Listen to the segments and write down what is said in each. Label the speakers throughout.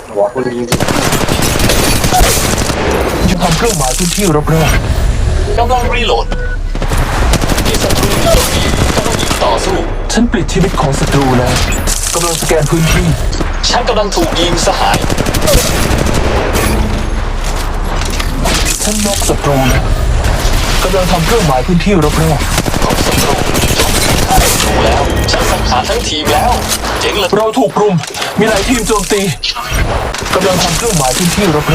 Speaker 1: หัวคนยิง
Speaker 2: ยังทำเครื่องหมายพื้นที่รอบ
Speaker 3: กำลังรีโหลดมีศัตรูอยู่ตรงนี้กำลังยิงต่อสู้
Speaker 2: ๆฉันปลิดชีวิตของศัตรูแล้วกำลังสแกนพื้นที่
Speaker 3: ฉันกำลังถูกยิงสหาย
Speaker 2: ฉันน็อกศัตรูแล้วกำลังทำเครื่องหมายพื้นที่รอบ
Speaker 3: ของศัตรูฆ่าศัตรูแล้วฉันสังหารทั้งทีมแล้วเจ๋งเลย
Speaker 2: ๆเราถูกรุมมีหลายทีมโจมตีกำลังทำเครื่องหมายพื้นที่รอบๆ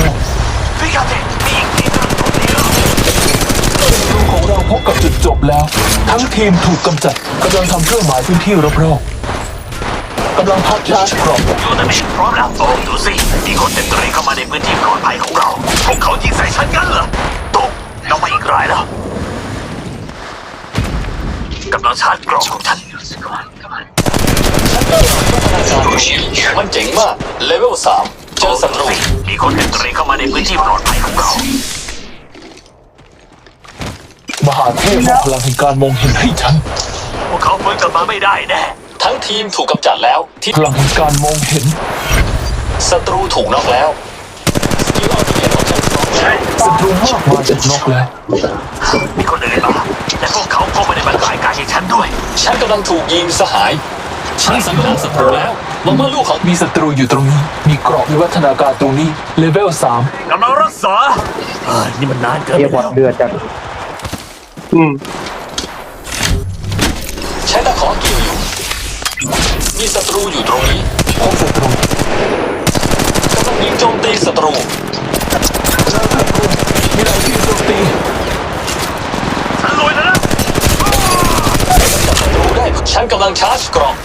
Speaker 2: ศัตรูของเราพบกับจุดจบแล้ว ทั้งทีมถูกกำจัดกำลังทำเครื่องหมายพื้นที่รอบๆกำลังพักชาร์จกรอบ
Speaker 4: ยูนิตพร้อมแล้วโอ้ดูสิมีคนเต็มตรีเข้ามาในพื้นที่ปลอดภัยของเราพวกเขายิงใส่ฉันกันเหรอตกเราไปอีกรายแล้วกำลังชาร์จกรอบของฉัน
Speaker 3: มันเจ๋งมากเลเวล3เจอศัตรู
Speaker 4: มีคนเต็มตรีเข้ามาในพื้นที่ปลอดภัยของเรา
Speaker 2: มหาเทพมอบพลังแห่งการมองเห็นให้ฉัน
Speaker 4: พวกเขาฟื้นกลับมาไม่ได้แน่
Speaker 3: ทั้งทีมถูกกำจัดแล้วที่
Speaker 2: พลังแห่งการมองเห็น
Speaker 3: ศัตรูถูกน็อกแล้วสกิลอัลติเมทของฉันพร้อมแล้ว
Speaker 2: ศัตรูมากมาจากนอกแล้ว
Speaker 4: มีคนอื่นมาแต่พวกเขาก็ไม่ได้มาขายกายให้ฉันด้วย
Speaker 3: ฉันกำลังถูกยิงสหายฉันสังหารศัตรูแล้วหวังว่าลูกของ
Speaker 2: มีศัตรูอยู่ตรงนี้ มีกรอบวิวัฒนาการตรงนี้เลเวล3
Speaker 4: กำลังรักษานี่มันนานเกิน
Speaker 1: เรียก
Speaker 4: ไป
Speaker 1: ว่า
Speaker 4: แล้ว
Speaker 1: เดือดจัด
Speaker 3: ใช้ตะขอเกี่ยวอยู่มีศัตรูอยู่ตรงนี้
Speaker 2: พบศัตรู
Speaker 3: กำลังยิงโจมตีศัตรู
Speaker 2: มีหลายทีมโจมตี
Speaker 4: ฉันรวยแล้วนะ
Speaker 3: จับศัตรูได้ฉันกำลังชาร์จกรอบ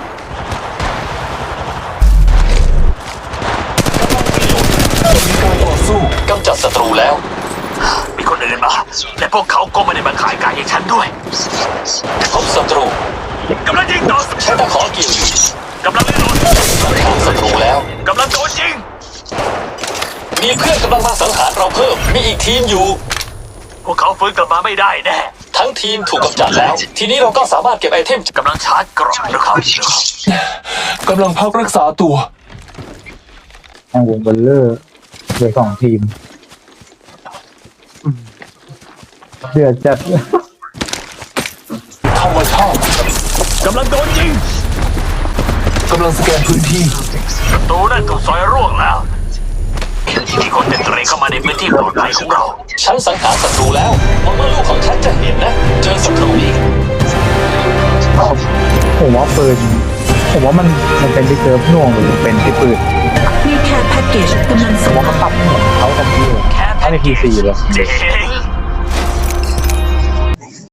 Speaker 2: มีการต่อสู้
Speaker 3: กำจัดศัตรูแล้ว
Speaker 4: มีคนอื่นมาแต่พวกเขาก็ไม่ได้มาขายกายให้ฉันด้วย
Speaker 3: พบศัตรู
Speaker 4: กำลังยิงต่อ
Speaker 3: ใช้ตะขอเกี่ยวอยู่
Speaker 4: กำลังรีโหลด
Speaker 3: สังหารศัตรูแล้ว
Speaker 4: กำลังโดนยิง
Speaker 3: มีเพื่อนกำลังมาสังหารเราเพิ่มมีอีกทีมอยู่
Speaker 4: พวกเขาฟื้นกลับมาไม่ได้แน่
Speaker 3: ทั้งทีมถูกกำจัดแล้ว ทีนี้เราก็สามารถเก็บไอเทม
Speaker 4: กำลังชาร์จกรอบนะครับ
Speaker 2: กำลังพักรักษาตัว
Speaker 1: ทางวงเบลเลอร์เหลือ2 ทีมเดือดจัด
Speaker 2: ธรรมชาติ
Speaker 4: กำลังโดนยิง
Speaker 2: กำลังสแกนพื้นที่
Speaker 4: ประตูนั่นถูกซอยร่วงแล้ว มีคนเต็มตรีเข้ามาในพื้นที่ปลอดภัยของเรา
Speaker 3: ฉันสังหารศัตรูแล้วหวังว่าลูกของฉันจะเห็นนะ เจอศัตรูอีก
Speaker 1: ผมว่าปืนผมว่ามันเป็นที่เซิร์ฟหน่วงหรือเป็นที่ปืน
Speaker 5: มีแคร์แพ็กเกจกำลัง
Speaker 1: ผ
Speaker 5: ส่
Speaker 1: ม
Speaker 5: ง
Speaker 1: ว่ามันปรับเหมือนเขาคอมพิวเตอร์
Speaker 4: แค่
Speaker 1: ถ้าใน PC เลย
Speaker 4: เจ๊